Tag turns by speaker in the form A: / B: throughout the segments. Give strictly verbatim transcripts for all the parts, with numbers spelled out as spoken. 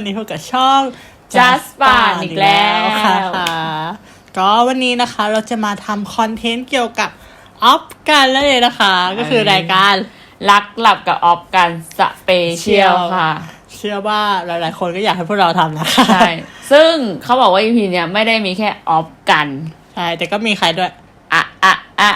A: นี้พบกับช่อง
B: Just Fun อีกแล้ว
A: ค่ะก็วันนี้นะคะเราจะมาทำคอนเทนต์เกี่ยวกับออฟกันแล้วเลยนะคะก็คือรายการ
B: รักหลับกับออฟกันสเปเชียลค่ะ
A: เชื่อว่าหลายๆคนก็อยากให้พวกเราทำนะคะ
B: ใช่ซึ่งเขาบอกว่า อี พี เนี้ยไม่ได้มีแค่ออฟกัน
A: ใช่แต่ก็มีใครด้วย
B: อะอะอะ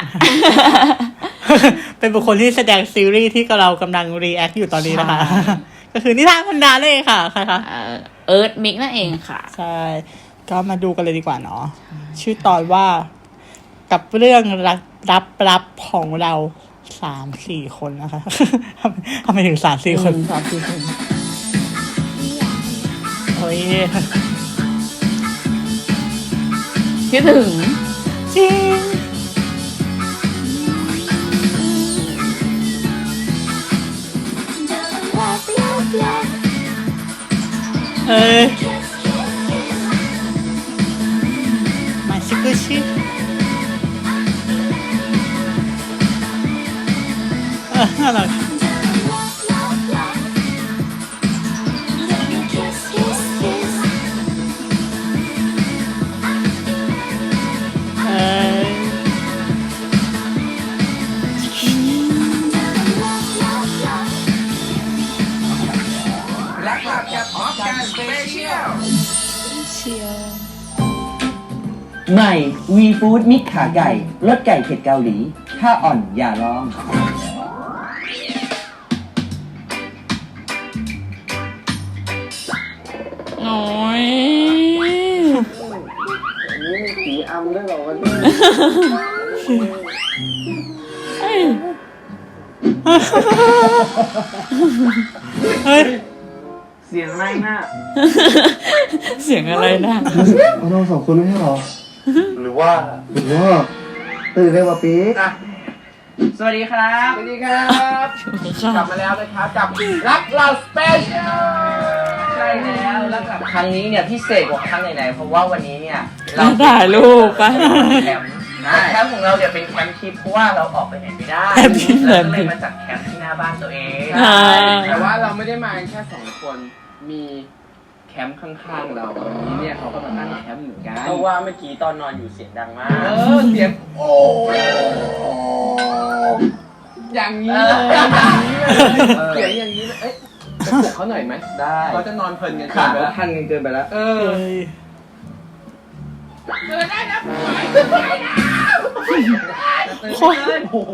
A: เป็นบุคคลที่แสดงซีรีส์ที่เรากำลังรีแอคอยู่ตอนนี้นะคะก็คือนิทานพันดาเลยค่ะใครคะ
B: เอิร์ธมิกนั่นเองค่ะ
A: ใช่ก็มาดูกันเลยดีกว่าเนาะชื่อตอนว่ากับเรื่องรับรับรับของเราสามสี่คนนะคะทำไมถึงสามสี่คน
B: สามสี่คน
A: โอ้ย
B: คิดถึง
A: จริงเอ้ยมาชิคุชิเออน่ารัก
C: ใหม่ วีฟู้ดมิกขาไก่รสไก่เผ็ดเกาหลีถ้าอ่อนอย่าลอง
B: โอ้ย
C: นี่มีสีอำด้วยเหรอวันนี้
A: เฮ้ย
C: เสียงอะไรน่ะ
B: เสียงอะไรน่ะ
C: เราสองคนไม่ใช่หรอหรือว่าหรือว่าตื่นเร็วกว่าปี๊กสวัสดีครับสวัสดีครับกลับมาแล้วนะครับกับรักเราสเปเชียลใช่แล้วแล้วกับครั้งนี้เนี่ยพิเศษกว่าครั้งไหนๆเพราะว่าวันนี้เนี่ย
B: เราถ่ายรูปไป
C: แคมป์แคมป์ของเราเนี่ยเป็นแคมป์ทิปเพราะว่าเราออกไปไหนไม่ได้เราก็เลยมาจัดแคมป์ที่หน้าบ้านตัวเอง
D: แต่ว่าเราไม่ได้มาแค่สองคนมีแคมป์ข้างๆเราทีเนี่ยเขาก็มาตั้งแคมป์เหมือนกัน
C: เพราะว่าเมื่อกี้ตอนนอนอยู่เสียงดังมาก
D: เออเสียงโอ้อย่างนี้เลยเสียงอย่างนี้เลยเอ๊ะไปปลุกเขาหน่อยไหม
C: ได้
D: เขาจะนอนเพลินกัน
C: ขาดแล้วทันกันเกินไปแล้ว
D: เออเกินได้นะไปนะ
A: โคตรโอ้โห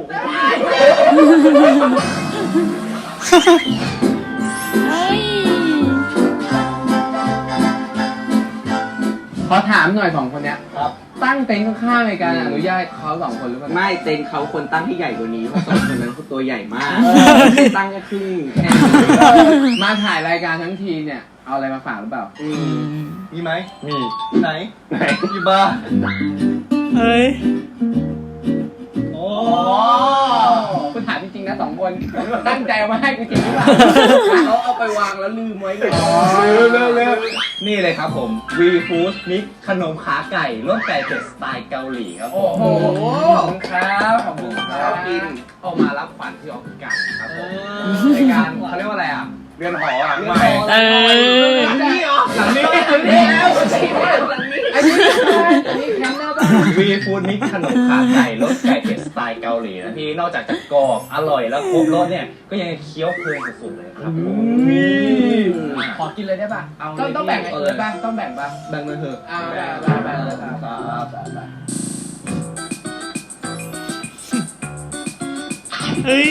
D: ขอถามหน่อยสองคนเนี้ยครับตั้งเต็นท์ข้างๆในการอนุญาตเขาสองคนหรือเปล่า
C: ไม่เต็นท์เขาคนตั้งที่ใหญ่กว่านี้เพราะสองคนนั้นเขาตัวใหญ่มากตั้งแค่ครึ่งแค่
D: มาถ่ายรายการทั้งทีเนี่ยเอาอะไรมาฝากหรือเปล่า
C: มีไหม
D: มี
C: ไหนไหนมีบ้า
A: เฮ้ย
D: โอ้คุณถามจริงๆนะสองคนตั้งใจเอามาให้กูจริงหรือเปล่าเขาเอาไปวางแล้วลืมไว้เลย
C: เร็วเร็วนี่เลยครับผมวีฟู้ดมิกขนมขาไก่รสไก่เผ็ดสไตล์เกาหลีครับ
D: โอ้โหขอบคุณครับขอบคุณครับ
C: กินเอามารับขวัญที่ออฟฟิศกันครับผมในการเขาเรียกว่าอะไรอ่ะเรือนหออ่ะไม่
B: เออ
C: หลังนี้เหรอหลังนี้หลังนี้แล้วหลังนี้
D: อันนี้อันนี้แคมป์หน้าบ้าน
C: วีฟู้ดมิกขนมขาไก่รสไก่เผ็ดสไตล์เกาหลีนะที่นอกจากจะกรอบอร่อยแล้วครบรสเนี่ยก็ยังเคี้ยวเพลินสุดๆเลยครับ
D: ขอกินเลยได้ป่ะต้องต้องแบ่งเออป่ะต้องแบ่งป่ะ
C: แบ่งเลยเถอะ
D: อ่าแบ่งแบ่งแบ่งเลยครับ
A: เฮ้ย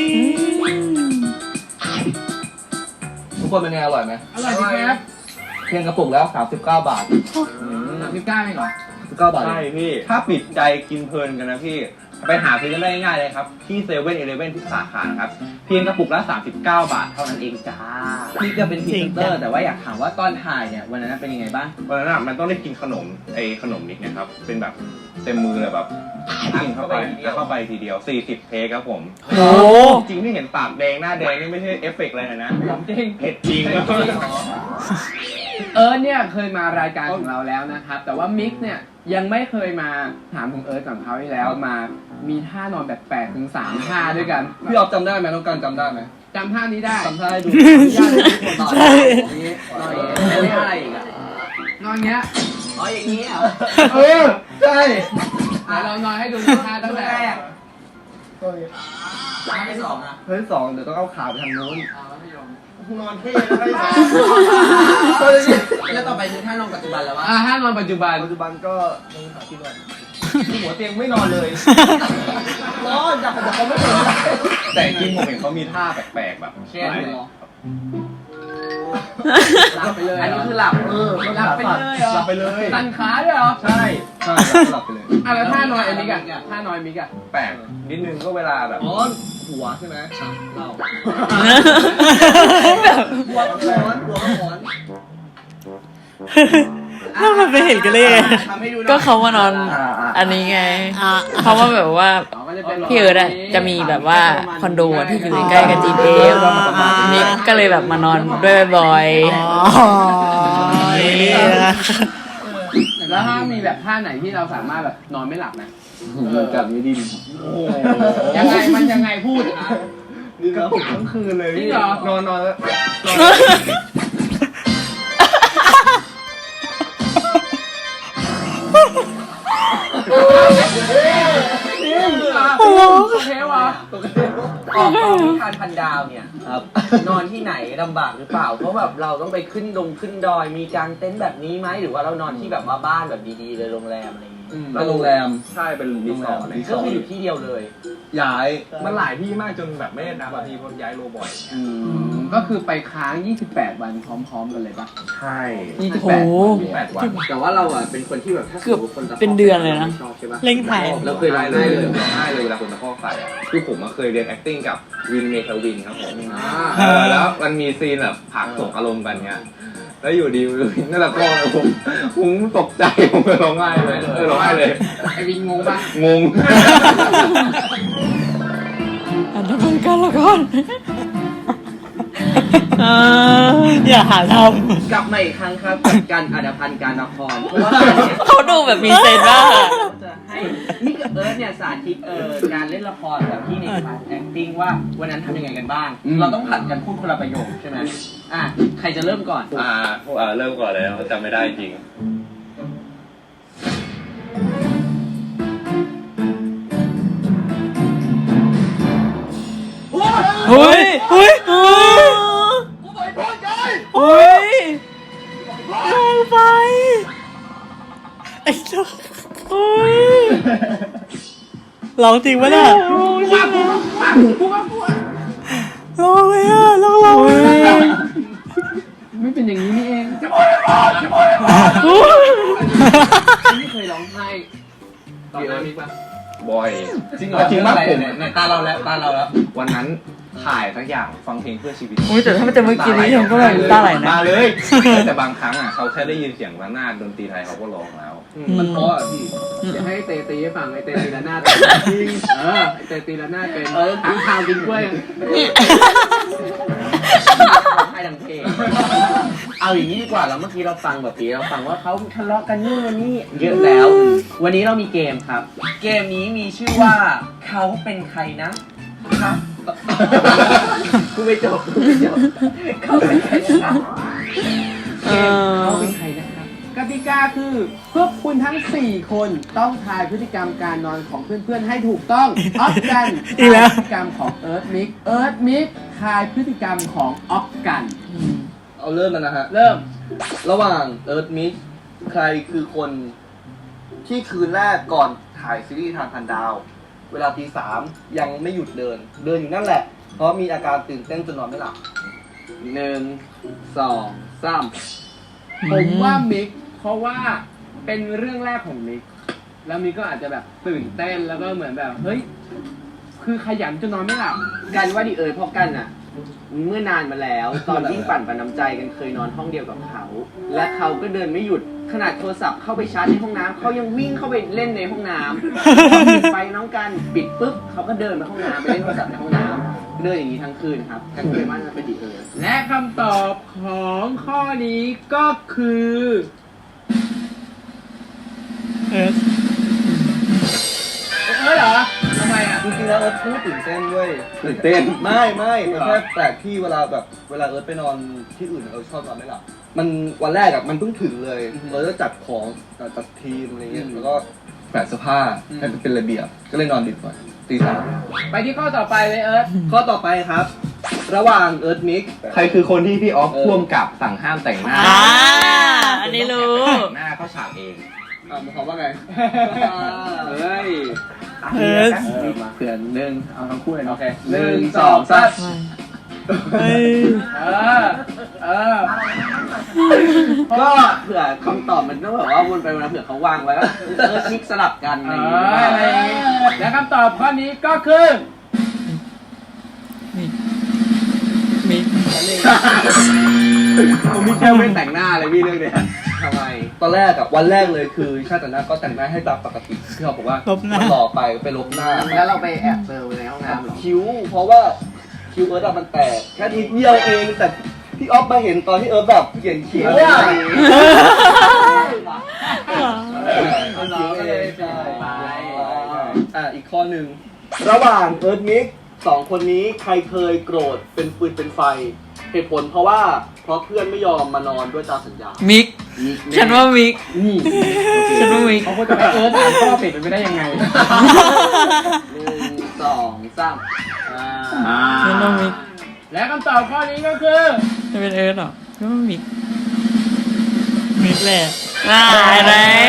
C: ทุกคนเป็นไงอร่อยไหม
D: อร่อยจริงครับ
C: เพียงกระปุกแล้วสามสิบเก้าบาท
D: สามสิบเก้าเองเหรอ
C: สามสิบเก้าบาทใช่พี่ถ้าปิดใจกินเพลินกันนะพี่ไปหาซื้อกันได้ง่ายเลยครับที่เซเว่นอีเลฟเว่นทุกสาขานะครับเพียงกระปุกละสามสิบเก้าบาทเท่านั้นเองจ้าพี่ก็เป็นพรีเซนเตอร์แต่ว่าอยากถามว่าตอนถ่ายเนี่ยวันนั้นเป็นยังไงบ้างวันนั้นมันต้องได้กินขนมไอ้ขนมนิกนะครับเป็นแบบเต็มมือเลยแบบกินเข้าไปเข้าไปทีเดียวสี่สิบเทคครับผม
A: โอ้
C: จริงที่เห็นปากแดงหน้าแดงนี่ไม่ใช่เอฟเฟกต์อะไรนะ
D: จริง
C: เผ็ดจริง
D: เอิร์ธเนี่ยเคยมารายการของเราแล้วนะครับแต่ว่ามิกเนี่ยยังไม่เคยมาถามของเอิร์ธกับเขาที่แล้วมามีท่านอนแบบแปลกถึงสามท่าด้วยกัน
C: พี่ออฟจำได้ไหมน้องกันจำได้ไหม
D: จำท่านี้ได้
C: ทำท่าให้ดู
D: ยากเลยทุกคนต่อ
A: ใช่
D: อย่างนี้นอนอย่างนี้แล้วอะไรอีกอะนอนอย่างเงี้ย
E: อ๋ออย่างนี้เหรอ
C: เออใช่
D: เดี๋ยวเรานอนให้ดูท่าตั้งแต่
E: ท่าที่สองอ่ะ
C: เฮ้ยสองเดี๋ยวต้องเอาขาไปทางโน้น
D: อ่ามัธยม
C: นอนเท่แล้วไม่ใช่
E: แล้วต่อไปคือท่านองปัจจุบันแล้ววะ
D: อ่าท่านอนปัจจุบัน
C: ปัจจุบันก็นอนขาที่นอนหัวเตียงไม่นอนเลยนอนอยากบอกเขาไม่นอนแต่จริงผมเห็นเขามีท่าแปลกๆแบบ
E: เช่น
D: หลับไปเลย
E: อันนี้คือหลับ
C: เออ
D: หลับไปเลยเหรอ
C: หลับไปเลย
D: ตันขาด้วยเหรอ
C: ใช่ใช่หลับไปเลย
D: อ่ะแล้วท่านอนไอ้มิกอะท่านอนไอ้มิกอะ
C: แปลกนิดนึงก็เวลาแบบอ๋อหัวใช่ไหมเรา
E: หัวกระหมอนหัวกระหมอน
A: ถ้ามันไปเห็นกันเลยไง
E: ทำให้ดูหน่อย
B: ก็เขามานอนอันนี้ไง
A: อ่ะ
B: เพราะว่าแบบว่า
D: อ๋อก็จะเป็น
B: พี่เอิร์ดอะจะมีแบบว่าคอนโดอะที่อยู่ใกล้ๆกับจีเอฟมิกก็เลยแบบมานอนด้วยบ่อย
A: อ๋อนี่นะ
D: แล้วถ้ามีแบบท่าไหนที่เราสามารถแบบนอนไม่หลับนะ
C: กับนี้ดินโอ้
D: ยังไงมันยังไงพูดนะ
C: ดินกระตุกทั้งคืนเลย
D: จริงเหรอ
C: นอนนอนแล้ว
D: โอ้โหเทวะ
E: ออกกองนิทานพันดาวเนี่ย
C: ครับ
E: นอนที่ไหนลำบากหรือเปล่า เพราะแบบเราต้องไปขึ้นดงขึ้นดอย มีกางเต็นท์แบบนี้ไหมหรือว่าเรานอนที่แบบว่าบ้านแบบดีๆเลยโรงแรมอะไรอย่างงี้
C: เป็นโรงแรมใช่เป็นรีสอร์ท
E: ก็คืออยู่ที่เดียวเลย
C: ย้ายมันหลายที่มากจนแบบไม่ได้นับอะพี่เพราะย้ายโลบ่อย
D: อืมก็คือไปค้าง ยี่สิบแปด วันพร้อมๆกันเลยปะ
C: ใช่
D: ยี่สิบ
B: โห
D: แปด
C: แปดวัน
E: แต่ว่าเราอ่ะเป็นคนที่แบบถ้า
B: เกือบเป็นเดือนเลยนะ
E: ชอบใช่ปะ
A: เล่งถ่าย
E: เราเคยร้อง
C: เล
E: ไห้
C: ย
E: เลย
C: ร้องไห้เลยเวลาคนตะคอกใส่อะคือผมมาเคยเรียน acting กับวินเมทวินครับผม
D: อ่า
C: เออแล้วมันมีซีนแบบผลักส่งอารมณ์กันเงี้ยแล้วอยู่ดีวินนั่นแหละก็ผมผมตกใจผมเลยร้องไห้เลยเออร้องไห้เลย
D: ไอวินงงปะ
C: งง
B: อันนั้นเป็นการละครเออ
A: อย่าหาท
E: กลับมาอีกครั้งครับกับการอัดพันธ์การละครเพราะว่าการเนี่ย
B: เขาดูแบบมีเซนส์มาก
E: จะให้นี่กับเอิร์ธเนี่ยสาธิตเอ่อการเล่นละครแบบที่ในคลาส acting ว่าวันนั้นทำยังไงกันบ้าง เราต้องผัดกันพูดคนละประโยคใช่ไหมอ่ะใครจะเริ่มก่อน
C: อ่าพวกอ่าเริ่มก่อนเลยจำไม่ได้จริง
B: เฮ้ยเฮ้ยเฮ้ยเฮ้ย
A: ำลงไปไอ้เจ้า
B: เฮ้ย
A: ร้องจริงปะเนี่ยร้องเลยอ่ะร้องร้องเลย
D: ไม่เป็นอย่างนี้นี่เองไม่เคยร้องไห้ตอนนั้นมิกปะ
C: บอย
E: จริงเหรอ
C: จริงมากผม
E: ในตาเราแล้วตาเราแล้ว
C: วันนั้นถ่ายสักอย่างฟังเพลงเพื่อชีวิต
B: โอ้ยแต่ถ้ามันจะเมื่อกี้นี้ผมก็แบบตาไหลนะ
C: มาเลย แต่บางครั้งอ่ะเขาแค่ได้ยินเสียงระนาดดนตรีไทยเขาก็ร้องแล้ว
D: มันเพราะอ่ะพี่จะให้เตตีให้ฟังไอเตตีละหน้าดจริงเออไอเตตีละหน้าดเป็นเออทางทางกินกล้วย
E: ให้ดังเพลงเอาอย่างนี้ดีกว่าแล้วเมื่อกี้เราฟังแบบนี้เราฟังว่าเขาทะเลาะกันนู่นวันนี้เยอะแล้ว วันนี้เรามีเกมครับ เกมนี้มีชื่อว่าเขาเป็นใครนะครับ กูไม่จบกูไม่จบเขาเป็นใครนะครับ
B: เออ
D: เขาเป็นใครนะครับกติกาคือพวกคุณทั้งสี่คนต้องทายพฤติกรรมการนอนของเพื่อนๆให้ถูกต้องออฟกัน
A: อีกแล้ว
D: ทายพฤติกรรมของเอิร์ธมิกเอิร์ธมิกทายพฤติกรรมของออฟกัน
C: เอาเริ่มแล้วนะฮะ
D: เริ่ม
C: ระหว่างเอิร์ธมิกใครคือคนที่คืนแรกก่อนถ่ายซีรีส์ทางพันดาว เวลาตีสามยังไม่หยุดเดิน เดินอยู่นั่นแหละ เพราะมีอาการตื่นเต้นจนนอนไม่หลับ
D: หนึ่งสองสามผมว่ามิกเพราะว่าเป็นเรื่องแรกของมิกแล้วมิกก็อาจจะแบบตื่นเต้นแล้วก็เหมือนแบบเฮ้ยคือขยันจนนอนไม่หลับ
E: กันว่าดิเอ๋ยเพราะกันอ่ะ เมื่อนานมาแล้ว ตอนยิ่งปั่นประนำใจกันเคยนอนห้องเดียวกับเขา และเขาก็เดินไม่หยุดขนาดโทรศัพท์เข้าไปชาร์จในห้องน้ำเขายังวิ่งเข้าไปเล่นในห้องน้ำพอปิดไฟน้องกันปิดปุ๊บเขาก็เดินไปห้องน้ำไปเล่นโทรศัพท์ในห้องน้ำเดินอย่างนี้ทั้งคืนครับกันเคยว่าจะเป็นดิเอ๋ย
D: และคำตอบของข้อนี้ก็คือ
A: เออ
D: เออเหรอทำไมอ่ะ
F: จริงๆแล้วเอิร์ธไม่ตื่นเต้นด้วย
C: ตื่นเต้น
F: ไม่ไม่มันแค่แปลกที่เวลาแบบเวลาเอิร์ธไปนอนที่อื่นเอิร์ธชอบนอนไม่หลับมันวันแรกอะมันเพิ่งถึงเลยเอิร์ธจะจัดของจัดทีมอะไรเงี้ยแล้วก็แปะเสื้อผ้าให้มันเป็นระเบียบก็เลยนอนดึกหน่อยตีสาม
D: ไปที่ข้อต่อไปเลยเอิร์ธ
F: ข้อต่อไปครับ ระหว่างเอิร์ธมิก
C: ใครคือคนที่พี่ออฟพ่วงกับสั่งห้ามแต่งหน้า
B: อ่าอันนี้รู้
C: แต่งหน้าเขาฉากเอง
F: อ่ามันความว่าไง
E: เฮ้ย
A: เอิร์ธ
D: เผื่อหนึ่งเอาทั้งคู่เลยเนาะ
E: โอเคหนึ่งสองสาม
A: เฮ้ย
D: เออเออ
E: ก็เผื่อคำตอบมันต้องแบบว่าวนไปวนมาเผื่อเขาวางไว้ว่าเออมิกสลับกัน
D: เอ
E: อะไรอย่าง
D: อ
E: เงี้ย
D: อะไรอย่างงี้และคำตอบข้อนี้ก็คือ
B: มิกมิก
E: ผมมีแค่ไม่แต่งหน้าเลยพี่เรื่องเนี้ยทำไม
F: ตอนแรกอะวันแรกเลยคือชาติแต่งหน้าก็แต่งหน้าให้ตามปกติที่เขาบอกว่า
A: ลบหน้า
F: มันหล่อไปไปลบหน้า
E: แล้วเราไปแอบเซอร์ในห้องน้ำเหรอ
F: คิ้วเพราะว่าคิ้วเอิร์ธอะมันแตกแค่นิดเดียวเองแต่พี่ออฟมาเห็นตอนที่เอิร์ธแบบเขียนคิ้ว
E: เออ
F: อะ
E: เอาน้องก็เลย
F: ใช่
E: ไป
F: อ่ะอีกข้อหนึ่งระหว่างเอิร์ธมิกสองคนนี้ใครเคยโกรธเป็นปืนเป็นไฟเหตุผลเพราะว่าเพราะเพื่อนไม่ยอมมานอนด้วยตามสัญญา
B: มิกฉันว่ามิก
D: นี่
B: ฉันว่ามิก
D: เขาพูดจะไปเอิร์ธอ่านข้อผิดเป็นไปได้ยังไง
E: หนึ่งสองสามอ่า
B: ฉันว่ามิก
D: และคำตอบข้อนี้ก็คือ
B: จะเป็นเอิร์ธเหรอฉันว่ามิก
A: มิกแหละ
B: อ่าไหน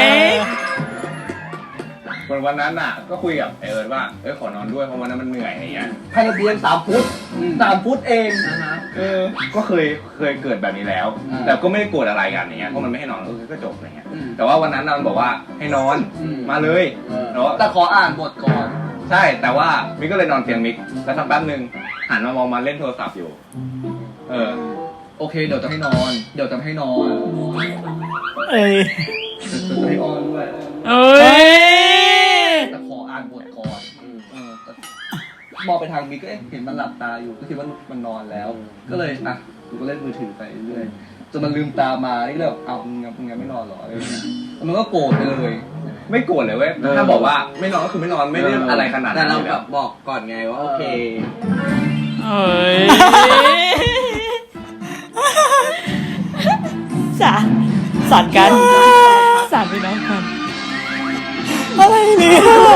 C: วันวันนั้นน่ะ ก็คุยกับไอเอิร์ธว่าเอ้ยขอนอนด้วยเพราะวันนั้นมันเหนื่อยอะไรเงี้ย
F: ภายในเตียงสามฟุตสามฟุตเอง
C: เออ ก็เคยเคยเกิดแบบนี้แล้ว แต่ก็ไม่ได้โกรธอะไรกันอย่างเงี้ยเพราะมันไม่ให้นอนเออก็จบอะไรเงี้ยแต่ว่าวันนั้นน่ะมันบอกว่าให้นอนมาเลยแล้ว
F: แต่ขออ่านบทก่อน
C: ใช่แต่ว่ามิกก็เลยนอนเตียงมิกแล้วสักแป๊บนึงหันมามองมาเล่นโทรศัพท์อยู่ เออ
F: โอเคเดี๋ยวจะให้นอน เดี๋ยวจะให้นอน
A: เอ้ย
F: จะให้ออนด้วย
B: เอ้ย
F: แต่ขออ่านบทก่อนเออแต่มองไปทางมิกก็เอ๊ะเห็นมันหลับตาอยู่ก็คิดว่ามันนอนแล้ว ก็เลยอ่ะกูก็เล่นมือถือไปเรื่อยจนมันลืมตามานี่ก็เลยแบบเอามึงยังมึงยังไม่นอนเหรออะไรอย่างเงี้ยแล้วมันก็โกรธไปเลย
C: ไม่โกรธเลยเว้ยถ้าบอกว่าไม่นอนก็คือไม่นอนไม่ได้อะไรขนาด
E: แต่
C: นั้น
E: เรา
C: เลย
E: แบ
C: อะ
E: บบอกก่อนไงว่าโอเค
B: เอ้ย
A: สา
B: สอนกันสามพี่น้องกัน
A: อะไรเนี่ย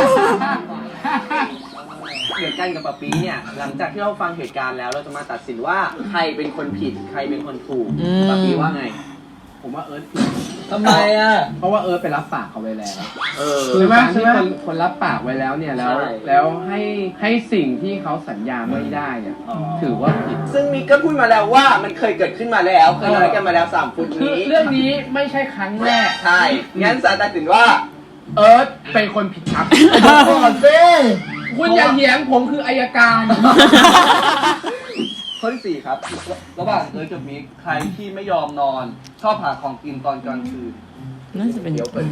E: เหมือนกันกับปะปีเนี่ยหลังจากที่เราฟังเหตุการณ์แล้วเราจะมาตัดสินว่าใครเป็นคนผิดใครเป็นคนถูกปะปีว่าไง
D: ผมว่าเอิร์ธผิด
F: ทำไมอ่ะ
D: เพราะว่าเอิร์ธไปรับปากเขาไว้แล้ว
E: เออ
D: คือการ
F: ใช่
D: ที่
F: ไหม
D: คนคนรับปากไว้แล้วเนี่ยแล้ว
E: ใช่
D: แล้วให้ให้สิ่งที่เขาสัญญาไม่ได้เนี่ยถือว่าผิด
E: ซึ่งมิกก็พูดมาแล้วว่ามันเคยเกิดขึ้นมาแล้วเคยนอนกันมาแล้วสามฟุต
D: คือ
E: นี้
D: เรื่องนี้ไม่ใช่ครั้งแรก
E: ใช่งั้นสารตัดสินว่า
D: เอิร์ธเป็นคนผิดครับ
F: ก่อนสิ
D: คุณอย่าเถียงผมคืออายการ
F: ข้อที่สี่ครับ ระหว่างเอิร์ธกับมิกใครที่ไม่ยอมนอน ชอบหาของกินตอนกลางคืน
B: น่าจะเป็นเดี๋ยวเปิด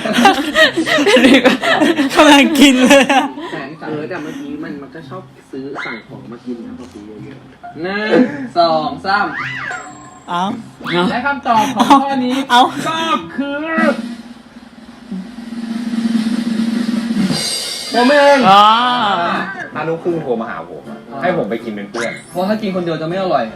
A: กำลังกินเลยอะ
E: แต่เออแต่เมื่อกี้มันมันก็ชอบซื้อสั่งของมากินนะปะปีเยอะๆหนึ่งสองสาม
A: เอา
D: และคำตอบของข้อนี้
A: เอา
D: ก็คือ
F: ผมเอง
B: อ๋อ
C: ถ้าลูกครึ่งโทรมาหาผมอะให้ผมไปกินเป็นเพื่อน
F: เพราะถ้ากินคนเดียวจะไม่อร่อย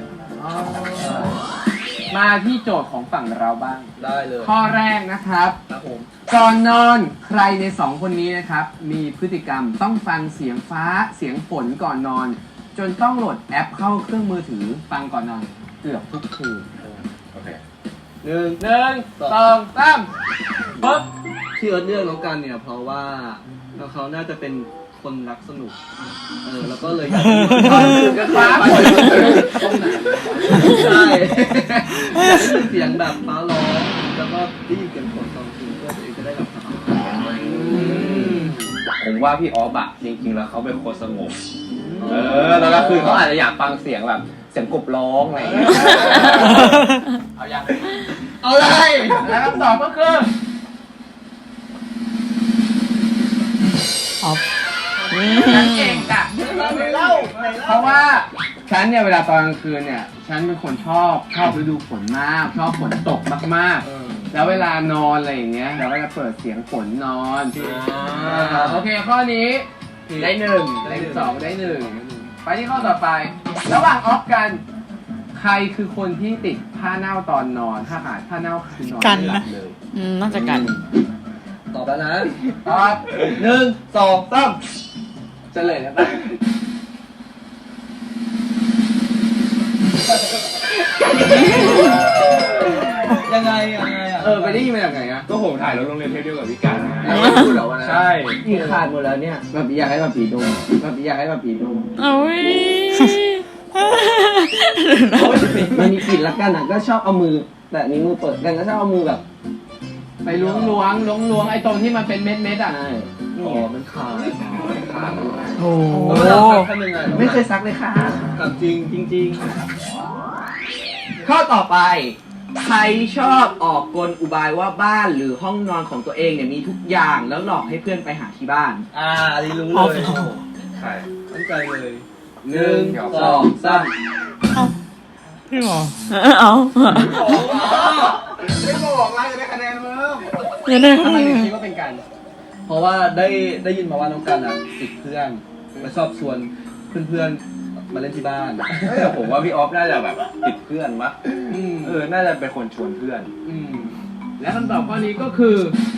D: มาที่โจทย์ของฝั่งเราบ้าง
F: ได้เลย
D: ข้อแรกนะครับ
F: ครับผม
D: ก่อนนอนใครในสองคนนี้นะครับ มีพฤติกรรมต้องฟังเสียงฟ้าเสียงฝนก่อนนอน จนต้องโหลดแอปเข้าเครื่องมือถือฟังก่อนนอนเกือบทุกคืน
C: โอเค
F: หนึ่ง
D: หนึ่งสองสามปึ๊บ
F: ที่เอิร์ธเลือกน้องกันเนี่ยเพราะว่าเขาน่าจะเป็นคนรักสนุก เออแล้วก็เลยอยากจะมี
D: ฟ้าฝน
F: ตรงไหนใช่อยากได้ยินเสียงแบบฟ้าร้องแล้วก็ได้ยินเสียงฝนตอนคืนเพื่อตัวเองจะได้หลับสบาย
C: ผมว่าพี่ออฟอะจริงๆแล้วเขาเป็นคนสงบ เออแล้วก็คือเขาอาจจะอยากฟังเสียงแบบเสียงกบร้องอะไรอย่างเงี้ย
D: เอายัง
F: เอาเลย
D: และคำตอบก็คือ
A: เอา
D: ฉันเองจ้ะเพราะว่าฉันเนี่ยเวลาตอนกลางคืนเนี่ยฉันเป็นคนชอบชอบฤดูฝนมาก ชอบฝนตกมากๆ แล้วเวลานอนอะไรอย่างเงี้ยเราก็จะเปิดเสียงฝนนอนโอเคข้อนี้ผ
F: พี่
D: ได้หนึ่งได้สองได้หนึ่งไปที่ข้อต่อไป ระหว่างออฟกัน ใครคือคนที่ติดผ้าเน่าตอนนอนถ้าขาดผ้าเน่าคือนอนไม่หลับเลย
B: อืมน่าจะกัน
F: ตอบแล้วนะ
D: ตอบ
F: หนึ่งสองสาม
D: เฉลยแล้วปะ
F: ยังไงยังไงอ่ะ
D: เออไปได้ยินมาจากไหนอะ
C: ก็ผมถ่ายรถโรงเรียนเทพเดียวกับพี่กัน
D: แล้วไม่พูดเหรอวันนั้น
C: ใช่
E: อีกขาดหมดแล้วเนี่ยแบบอยากให้แบบผีดมแบบอยากให้แบบผีดม
B: โอ้ย
E: มันมีกลิ่นละกันอ่ะก็ชอบเอามือแต่นิ้วมือเปิดกันก็ชอบเอามือแบบ
D: ไปล้วงล้วงล้วงล้วงไอ้ตรงที่มันเป็นเม็ดเม็ดๆอะ
E: ใช่
F: อ๋อมันขาดขาด
B: โอ้
F: แล้วเราทำยังไง
E: ไม่เคยซักเลยค่ะ
F: ถามจริง
E: จริงๆ ข้อต่อไป ใครชอบออกกลอุบายว่าบ้านหรือห้องนอนของตัวเองเนี่ยมีทุกอย่างแล้วหลอกให้เพื่อนไปหาที่บ้าน
F: อ่าอันนี้รู้
A: อ๋อ
F: เลย
C: ใช่
F: ตั้งใจเลย
E: หนึ่งสองสาม
A: เอ้าพี่หมอ
B: เอา
D: ไม่บอกแล้วจะได้คะแนนเพิ่ม
A: เดี๋ยวนะ
D: ทำไมถึงคิดว่าเป็นกัน
F: เพราะว่าได้ได้ยินมาว่าน้องกันอ่ะติดเพื่อนมาชอบชวนเพื่อนๆมาเล่นที่บ้าน
C: แต่ผมว่าพี่ออฟน่าจะแบบติดเพื่อนมะ
D: อืม
C: เออ น่าจะเป็นคนชวนเพื่อน
D: อืมและคำตอบข้อนี้ก็คือ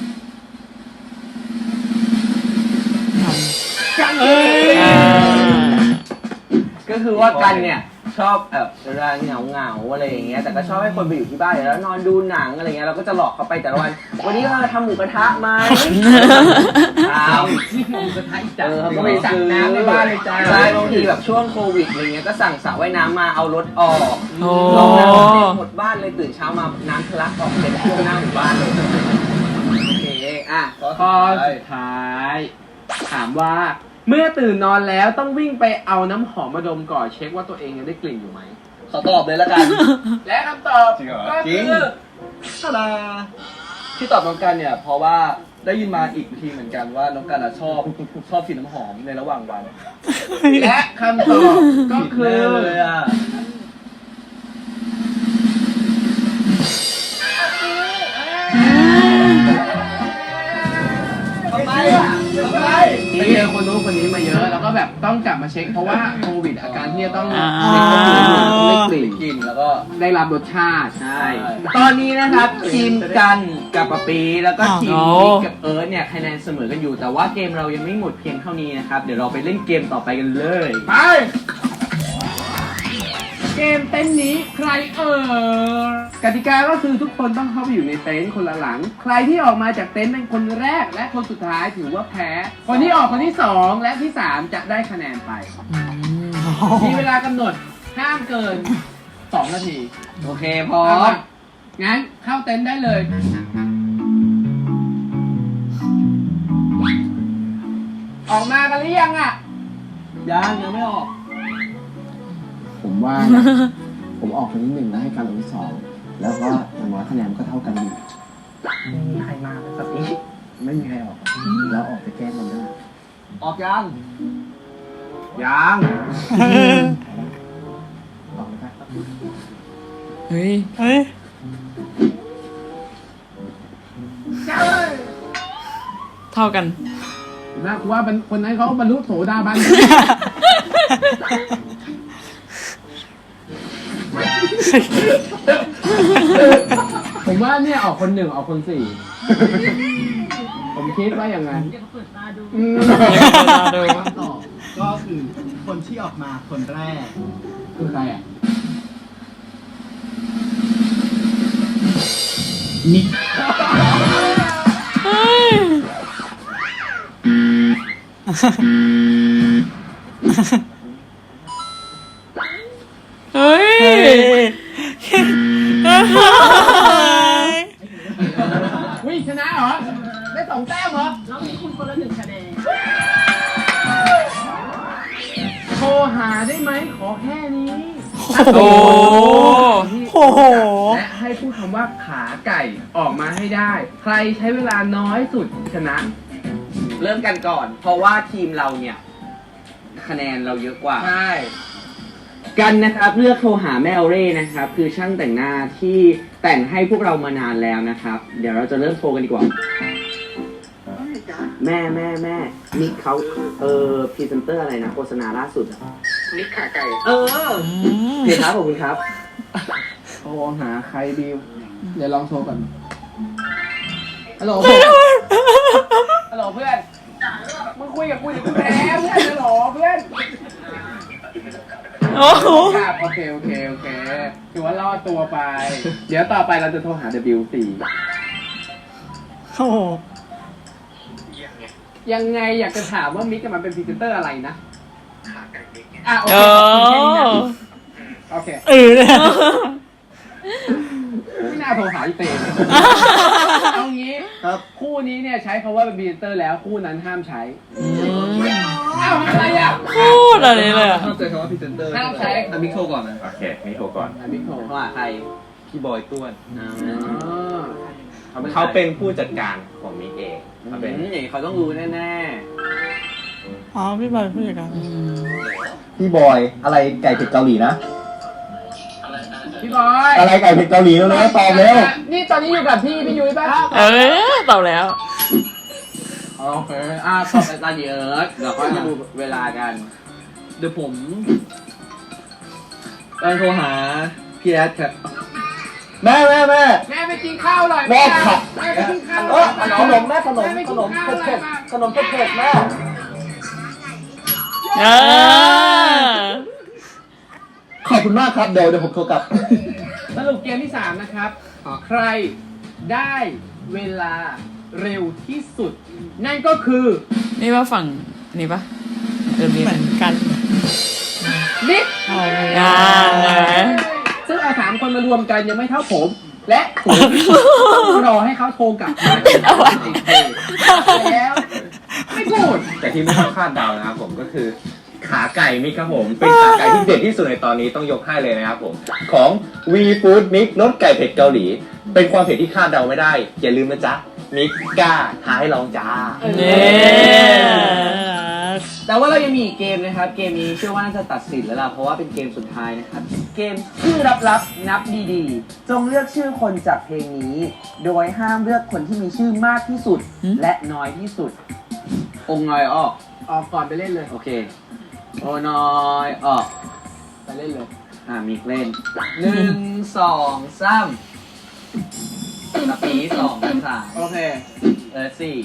D: กันเอ้ย
B: อ่า
E: ก็คือว่ากันเนี่ยชอบแบบเวลาเหงาเหงาๆอะไรอย่างเงี้ยแต่ก็ชอบให้คนไปอยู่ที่บ้านแล้วนอนดูหนังอะไรเงี้ยเราก็จะหลอกเขาไปแต่ละวัน วันนี้เราจะทำหมูกระทะไหมอ้าว
D: นี่คือหมูกระทะอีกจัง
E: เออเขาก็
D: ก็
E: ไป
D: ไปสั่งน้ำในบ้านเลยจ้า
E: ใช่บางทีแบบช่วงโควิดอะไรเงี้ยก็สั่งสระว่ายน้ำมาเอารถออก
B: โอ้
E: ลงน้ำเต็มหมดบ้านเลยตื่นเช้ามาน้ำทะลักออกเต็มท่วมหน้าหมู่บ้านเลยโอเคอ่ะ
D: ข้อสุดท้าย ถามว่า เมื่อตื่นนอนแล้วต้องวิ่งไปเอาน้ำหอมมาดมก่อนเช็คว่าตัวเองยังได้กลิ่นอยู่ไหม
F: ขอตอบเลยละกัน
D: และคำตอบ
C: จริงเหรอ
D: ก็
F: จริ
D: คื
F: ง
D: อ
F: ตาดาที่ตอบน้องกันเนี่ย เพราะว่าได้ยินมาอีกทีเหมือนกันว่าน้องกันอะชอบชอบกลิ่นน้ำหอมในระหว่างวัน
D: และคำตอบก็คื
F: แน่
D: อ
F: เลยอ่ะ ทำไมอ่ะทำไม
D: ไปเจอคนนู้นคนนี้มาเยอะ แล้วก็แบบต้องกลับมาเช็คเพราะว่าโควิดอาการที่จะต้อง
B: อ่า
D: เช็คก็คือไม่กลิ่น
F: กินแล้วก็
D: ได้รับรสชาติ
E: ใช่ ตอนนี้นะครับทีมกันกับปะปีแล้วก็ทีมนิกกับเอิร์ธเนี่ยคะแนนเสมอกันอยู่ แต่ว่าเกมเรายังไม่หมดเพียงเท่านี้นะครับ เดี๋ยวเราไปเล่นเกมต่อไปกันเลย
D: ไป เกมเต็นท์นี้ใครเอ่ยกติกาก็คือทุกคนต้องเข้าไปอยู่ในเต็นท์คนละหลัง ใครที่ออกมาจากเต็นท์เป็นคนแรก และคนสุดท้ายถือว่าแพ้ คนที่ออกคนที่สองและที่สามจะได้คะแนนไป มีเวลากำหนดห้ามเกินสองนาที
E: โอเคพร้อ
D: เอา
E: ม
D: ละงั้นเข้าเต็นท์ได้เลย ออกมากันหรือยังอ่ะ
F: ยังยังไม่ออก
E: ผมว่านะ ผมออกคนที่หนึ่งแล้วให้การลงที่สองแล้วก็อย่างน้อยคะแนนก็เท่ากันอยู่ไม่มีใครมาสักทีไม่มีใครออกแล้วออกไปแกล้งมันด้วย
F: ออกยัง
E: ยัง ออกไปครับ
B: เฮ้ย
A: เฮ้ย
B: เท่ากัน
D: นะกูว่าเป็นคนนั้นเขาบรรลุโสดาบัน ผมว่าเนี่ยออกคนหนึ่งออกคนสี่ ผมคิดว่าอย่างนั้นอืม
B: ดู
G: ก็คือคนที่ออกมาคนแรก
D: คือใครอ่ะ
G: นิก
B: เฮ้ย
D: วิ่งชนะเหรอ ได้สองแต้มเหรอ
H: แล้วมีคุณคนละหนึ่งคะแนน
D: โทรหาได้ไหมขอแค่นี้
B: โอ้
A: โอ้โห
D: และให้พูดคำว่าขาไก่ออกมาให้ได้ ใครใช้เวลาน้อยสุดชนะ
E: เริ่มกันก่อน เพราะว่าทีมเราเนี่ย คะแนนเราเยอะกว่า
D: ใช่
E: กันนะครับเลือกโทรหาแม่เอเร่นะครับ คือช่างแต่งหน้าที่แต่งให้พวกเรามานานแล้วนะครับ เดี๋ยวเราจะเริ่มโทรกันดีกว่าแม่แม่แม่มิกเขาเออพรีเซนเตอร์อะไรนะโฆษณาล่าสุดอะมิกขาไก่เออ
A: อืม
E: เดี๋ยวครับขอบคุณครับ
D: โทรหาใครดีเดี๋ยวลองโทรก่อนฮัลโหลฮัลโหลเพื่อนมึงคุยกับกูเดี๋ยวกูแพ้เพื่อนฮัลโหลเพื่อน
A: โอ้โห
D: ครับโอเคโอเคโอเคถือว่ารอดตัวไป เดี๋ยวต่อไปเราจะโทรหา ดับเบิลยู โฟร์
A: โอ้โห
D: ยังไงอยากจะถามว่ามิกมันเป็นพรีเซนเตอร์อะไรนะอ่ะโอ
B: เอ
D: เค
B: อ
D: โอเค
A: เออเนี่ย
D: ไม่น่าโทรหาอีเต้เลยเอางี้
F: ครับ
D: คู่นี้เนี่ยใช้คำว่าเป็นพรีเซนเตอร์แล้วคู่นั้นห้ามใช้อ้าวอะไรอ่ะ
B: พูดอะไรเลยอะ
F: ห้ามเจอคำว่าพรีเซนเตอร์
D: ห้ามใช้
F: อ่ะมิกโทรก่อนนะ
C: โอเคนี่โทรก่อน
D: อ่ะมิกโทร
E: โทรหาใคร
C: พี่บอยต้วน
E: อ๋อ
D: อ๋อ
C: เขาเป็นผู้จัดการของมิกเองเขาเป็น
E: อืมอย่างนี้เขาต้องรู้แน่
A: อ๋อพี่บอยผู้จัดการ
F: พี่บอยอะไรไก่เผ็ดเกาหลีนะ
D: พี่บอย
F: อะไรไก่เผ็ดเกาหลีแล้วนะตอบเร็ว
D: นี่ตอนนี้อยู่กับพี่พี่ยุ้ยป่ะ
B: เออตอบแล้ว
D: โอเค
E: ๆอ่าตอบไปตอนเยอะเดี๋ยวค่อยมาดูเวลากัน
F: เดี๋ยวผมไปโทรหาพี่แอดครับแม่แม่แม่
D: แม่ไปกินข้าวหน่อย
F: แม่ขับ
D: แม่ไปกินข้าว
F: เออขนมแม่ขนม
D: แไป
F: ข
D: กิ
F: นม
D: ข้าว
F: เผ็ด
D: หน่อย
F: ๆขนมเผ็ดๆแม่
B: เออ
F: ขอบคุณมากครับเดี๋ยวเดี๋ยวผมโทรกลับ
D: สรุปเกมที่สามนะครับ ใครได้เวลาเร็วที่สุด นั่นก็คือ
B: นี่ว่าฝั่งนี่ปะเออมี
A: เหมือนกัน
D: มิก
A: เอาเลย
B: อ่า
D: ซึ่งเอาสามคนมารวมกันยังไม่เท่าผม และผมต้องรอให้เขาโทรกลับมาแล้วไม่พูด
C: แต่ที่ไม่ต้องคาดเดานะครับผมก็คือขาไก่มิกครับผมเป็นขาไก่ที่เด็ดที่สุดในตอนนี้ต้องยกให้เลยนะครับผมของ V Food Mix รสไก่เผ็ดเกาหลี เป็นความเผ็ดที่คาดเดาไม่ได้อย่าลืมนะจ๊ะมิกกล้าท้าให้ลองจ้า
B: เนี่ย
E: แต่ว่าเรายังมีอีกเกมนะครับ เกมนี้เชื่อว่าน่าจะตัดสินแล้วล่ะ เพราะว่าเป็นเกมสุดท้ายนะครับ เกมชื่อลับๆนับดีๆ จงเลือกชื่อคนจากเพลงนี้ โดยห้ามเลือกคนที่มีชื่อมากที่สุด และน้อยที่สุด องค์น้อยออก
D: ออกก่อนไปเล่นเลย
E: โอเค โอน้อยออก
D: ไปเล่นเลย
E: อ่ามิกเล่นหนึ่งสองสามสปีสองสาม
D: โอเค
E: เออสี่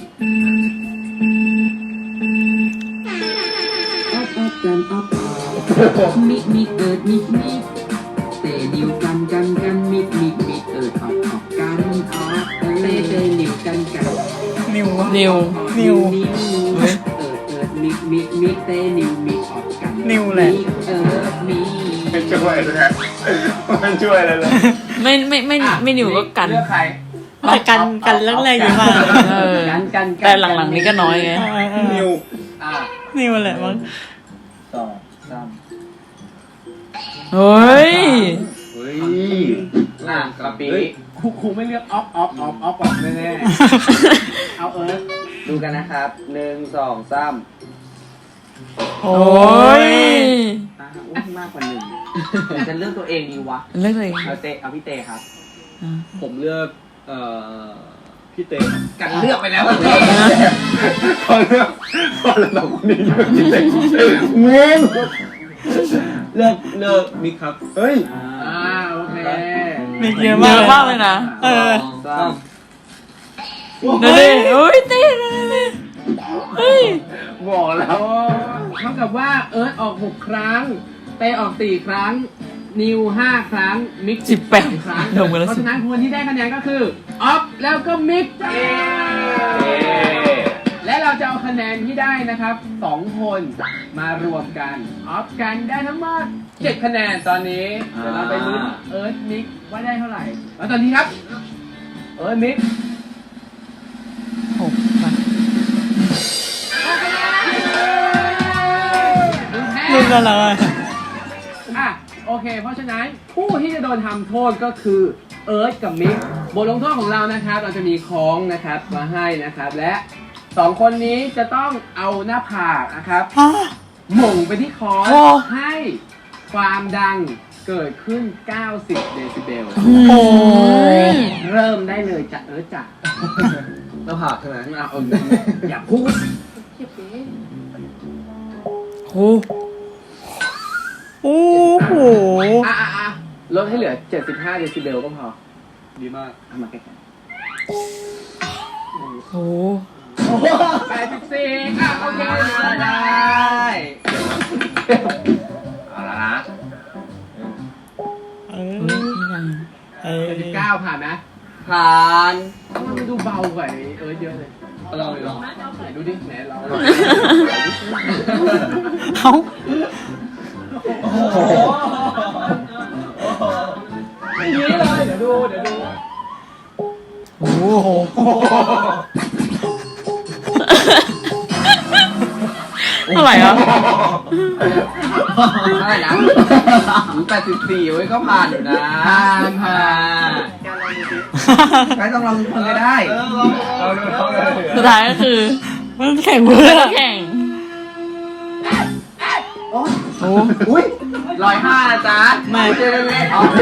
H: มิกมิกเอิดมิกมิกเตนิวกันกันกันมิกมิกมิกเอิดออกออกกันออกเตเตนิวกันกัน
A: นิว
B: นิว
A: นิว
H: นิวเอิดเอิดมิกมิกมิกเตนิวมิกออกกัน
A: นิวแหละ
H: มิกเอิดมิก
C: ไม่ช่วยเลยนะไม่ช่วยเลยเลย
B: ไม่ไม่ไม่ไม่นิวก็กัน
D: เลือกใคร
A: แต่กันกันเรื่องแรกอยู่มาก
B: เออ
E: กันกันกัน
B: แต่หลังๆนี้ก็น้อยไง
C: นิว
D: อ่า
A: นิวแหละมั้ง
F: สองสาม
B: เฮ้ย
C: เฮ้ย
E: อ่ะสปี
D: ครูครูไม่เลือกออฟออฟออฟออฟออกแน่ๆเอาเอิร์ธ
E: ดูกันนะครับหนึ่งสองสาม
A: โอ้
B: โอ้ย
E: อ่ะอุ้ยมากกว่าหนึ่งหรือจะเลือกตัวเองดีวะ
B: เลือกเลย
E: เอาเตเอาพี่เตครับ
F: ผมเลือกเอ่อพี่เต้
E: กันเลือกไปแล้วพี่เต
C: พอเลือกพอแล้วเราคนนี้เลือกจริงๆเงิน
F: เลือกเลือกมิกครับเฮ้ย
D: อ่าโอเค
A: มีเยอะ
B: เย
A: มาก
B: อะมากเลยนะ
A: เออ
E: สองสาม
B: เดี๋ยวดิโอ้ยเต้เฮ้ย
D: บอกแล้วเท่ากับว่าเอิร์ธออกหกครั้ง เตออกสี่ครั้ง นิวห้าครั้ง มิก
B: สิบแปด
D: ครั้ง
B: ลงไปแล้ว
D: เพราะ
B: สิ
D: ฉะนั้นคนที่ได้คะแนนก็คือออฟแล้วก็มิกจ้าและเราจะเอาคะแนนที่ได้นะครับสองคนมารวมกันออฟกันได้ทั้งหมดเจ็ดคะแนนตอนนี้เดี๋ยวเราไปลุ้นเอิร์ธมิกว่าได้เท่าไหร่แล้วตอนนี้ครับ เอิร์ธมิก
B: หกมา
A: รุ่นกันแล้วอะ
D: อ่ะโอเค เพราะฉะนั้นผู้ที่จะโดนทำโทษก็คือเอิร์ธกับมิกบทลงโทษของเรานะครับ เราจะมีค้องนะครับมาให้นะครับ และสองคนนี้จะต้องเอาหน้าผากนะครับ
A: ฮะ
D: หม่งไปที่คอร์ส
A: โอ้
D: ให้ความดังเกิดขึ้น เก้าสิบ เดซิเบล
A: โอ้ย
D: เริ่มได้เลยจ้ะเอิร์ธจ้ะ
F: หน้าผากใช่ไหม
E: เอาเอาอย่าพูด
B: โห
A: โอ้โห
D: อ่ะอ่ะอ่ะลดให้เหลือเจ็ดสิบห้าเดซิเบลก็พอ
F: ดีมาก
E: เอามาใกล้
B: โห
D: แปดสิบสี่อ่ะโอเค
E: ๆได้
C: เอาละนะ
A: เออ
B: อุ๊ยนี่ยัง
A: เออ
D: แปดสิบเก้าผ่านนะ
E: ผ่าน
D: มันดูเบากว่าไอ้เอิร์ธเยอะเลย
F: เราเลยเหรอ
D: ไหนดูดิไหนเรา
A: เขา
F: โอ้โห
D: อย่างนี้เลยเดี๋ยวดูเดี๋ยวดู
A: โอ้โห
B: เท่าไหร่อ่ะ
E: เท่าไหร่นะแปดสิบสี่เว้ยก็ผ่านอยู่นะ
D: ผ่านผ่าน
E: ไม่ต้องลองทุกคนก็ได้
F: เออเราเราเราเรา
B: สุดท้ายก็คือ
A: มันแข่งเพื่อ
B: แข่ง
A: โอ้
E: อุ้ยร้อยห้านะจ๊ะ
A: ไม่
E: เจอกันเลยอ๋อ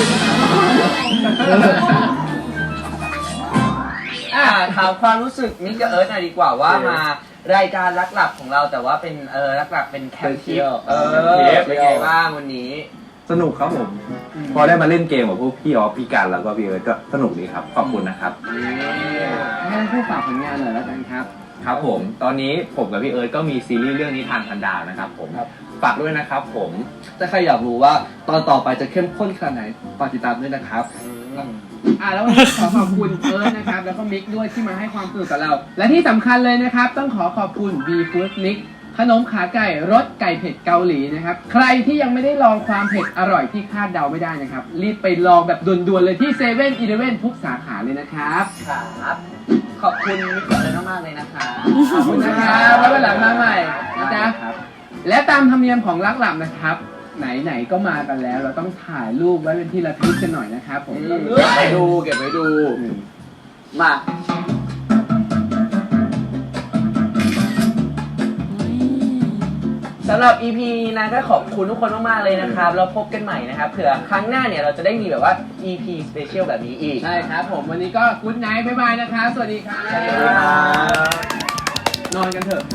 E: อ่าถามความรู้สึกมิกกับเอิร์ธหน่อยดีกว่าว่ามารายการรักหลับของเราแต่ว่าเป็นเออรักหลับเป็นแคมป์ทิปเออเป็นไงบ้างวันนี้
C: สนุกครับผม พอได้มาเล่นเกมกับพวกพี่ออฟพี่กันแล้วก็พี่เอิร์ธก็สนุกดีครับ ขอบคุณนะครับ
D: ให้ท่านผู้ฝากผลงานหน่อยแล้วกันครับ
C: ครับผม ตอนนี้ผมกับพี่เอิร์ธก็มีซีรีส์เรื่องนี้ทางพันดาวนะครับผม ฝากด้วยนะครับผม
F: ถ้าใครอยากรู้ว่าตอนต่อไปจะเข้มข้นขนาดไหนฝากติดตามด้วยนะครับ
D: อ่าแล้ววันนี้ขอขอบคุณเอิร์ธนะครับแล้วก็มิกด้วยที่มาให้ความสนุกกับเรา และที่สำคัญเลยนะครับ ต้องขอขอบคุณ B Food Mix ขนมขาไก่รสไก่เผ็ดเกาหลีนะครับใครที่ยังไม่ได้ลองความเผ็ดอร่อยที่คาดเดาไม่ได้นะครับรีบไปลองแบบด่วนๆเลยที่เซเว่นอีเลฟเว่นทุกสาขาเลยนะครับ
E: ครับ ขอบคุณมิกกับเอิร์ธมากๆเลยนะคะ
D: ขอบคุณนะครับแล้ววันหลังมาใหม่นะจ๊ะและตามธรรมเนียมของรักหลับนะครับ ไหนๆก็มากันแล้ว เราต้องถ่ายรูปไว้เป็นที่ระลึกกันหน่อยนะครับผม
E: เก็บไว้ดูเก็บไว้ดู มา สำหรับ อี พี นี้นะก็ขอบคุณทุกคนมากๆเลยนะครับแล้วพบกันใหม่นะครับเผื่อครั้งหน้าเนี่ยเราจะได้มีแบบว่า อี พี สเปเชียลแบบนี้อีก
D: ใช่ครับผมวันนี้ก็กุ๊ดไนท์บ๊ายบายนะครับสวัสดีครับ
E: สวัสดีครับ
D: นอนกันเถอะ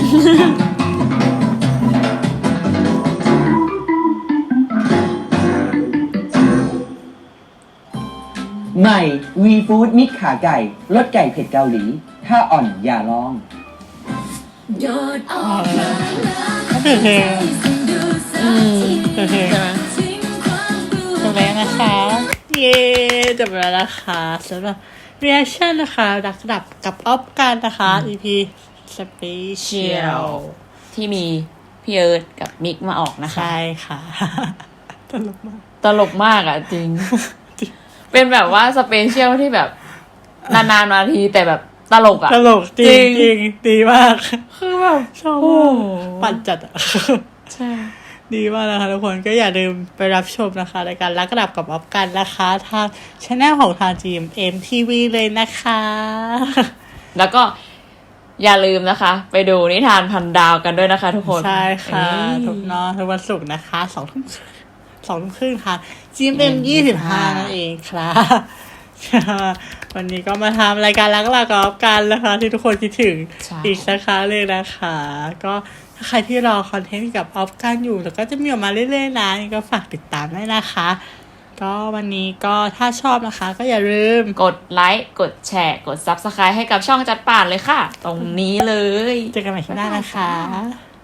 E: ใหม่ V Food มิตรขาไก่รสไก่เผ็ดเกาหลี ถ้าอ่อนอย่าลอง
A: เขาเป็นเพลง
B: อืม
A: เป็นเพลง
B: ใช่ไหม
A: จบแล้วนะคะ เย้จบแล้วนะคะสำหรับ reaction นะคะรักดับกับออฟกันนะคะ อี พี
B: เชีย
A: special
B: วที่มีพี่เอิร์ธกับมิกมาออกนะคะ
A: ใช่ค่ะ ตลกมาก
B: ตลกมากอ่ะจริง เป็นแบบว่าสเปเชียลที่แบบ นานๆนาทีแต่แบบตลกอ่ะ
A: ตลกจริง
B: จริง
A: จริงดีมาก
B: คือแบบ
A: ชอบ
B: โอ้
A: มาก
B: โห
A: ปั่นจัดอะ
B: ใช่
A: ดีมากนะคะทุกคนก็อย่าลืมไปรับชมนะคะรายการรักดับกับออฟกันนะคะทางช่องของทาง จี เอ็ม เอ็ม ที วี เลยนะคะ
B: แล้วก็อย่าลืมนะคะ ไปดูนิทานพันดาวกันด้วยนะคะทุกคน
A: ใช่ค่ะ
B: เอ้ย
A: ทุกเนอะทุกวันศุกร์นะคะสองทุ่มสองทุ่มครึ่งค่ะ จี เอ็ม เอ็ม ยี่สิบห้านั่นเองครับ วันนี้ก็มาทำรายการรักหลักกับออฟกันนะคะ ที่ทุกคนคิดถึง
B: ใช่
A: อีกสักครั้งเลยนะคะ ก็ถ้าใครที่รอคอนเทนต์กับออฟกันอยู่แล้วก็จะมีออกมาเรื่อยๆนะก็ฝากติดตามด้วยนะคะ ก็วันนี้ก็ถ้าชอบนะคะ ก็อย่าลืม
B: กดไลค์กดแชร์กด ซับสไครบ์ ให้กับช่องจัดป่านเลยค่ะ ตรงนี้เลย
A: เจอกันใหม่ที่หน้านะคะ